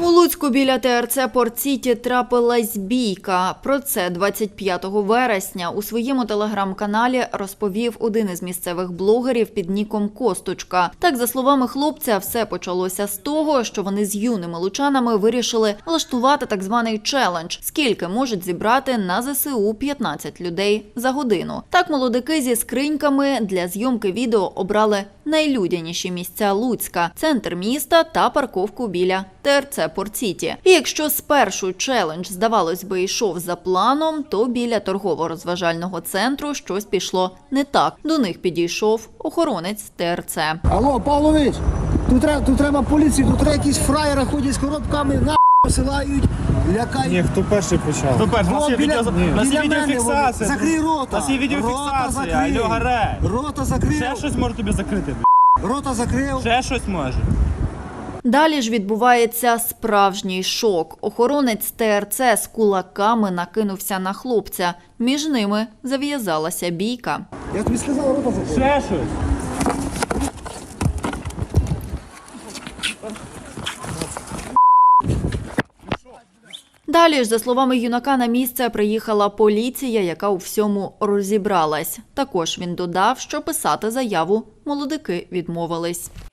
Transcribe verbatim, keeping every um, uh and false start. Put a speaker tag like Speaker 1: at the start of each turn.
Speaker 1: У Луцьку біля ТРЦ «Порт-Сіті» трапилась бійка. Про це двадцять п'ятого вересня у своєму телеграм-каналі розповів один із місцевих блогерів під ніком Косточка. Так, за словами хлопця, все почалося з того, що вони з юними лучанами вирішили влаштувати так званий челендж – скільки можуть зібрати на зе се у п'ятнадцять людей за годину. Так молодики зі скриньками для зйомки відео обрали найлюдяніші місця Луцька – центр міста та парковку біля ТРЦ «Порт-Сіті». І якщо спершу челендж, здавалось би, йшов за планом, то біля торгово-розважального центру щось пішло не так. До них підійшов охоронець ТРЦ.
Speaker 2: Алло, Павлович, тут треба, тут треба поліцію, тут треба якісь фраєри ходять з коробками, на посилають, лякають.
Speaker 3: Ні, хто перший почав?
Speaker 4: Хто перший? У нас є
Speaker 2: біля-
Speaker 4: відео- у нас є
Speaker 2: біля мене
Speaker 4: відеофіксація.
Speaker 2: вони. Закрий рота.
Speaker 4: У нас є
Speaker 2: Рота
Speaker 4: відеофіксація.
Speaker 2: закрий.
Speaker 4: Алло, гаре.
Speaker 2: Рота закрив.
Speaker 4: Ще щось може тобі закрити, б***.
Speaker 2: Рота закрив.
Speaker 4: Ще щось може.
Speaker 1: Далі ж відбувається справжній шок. Охоронець ТРЦ з кулаками накинувся на хлопця. Між ними зав'язалася бійка.
Speaker 2: Я тобі сказав, рота закрив.
Speaker 4: Ще щось.
Speaker 1: Далі ж, за словами юнака, на місце приїхала поліція, яка у всьому розібралась. Також він додав, що писати заяву молодики відмовились.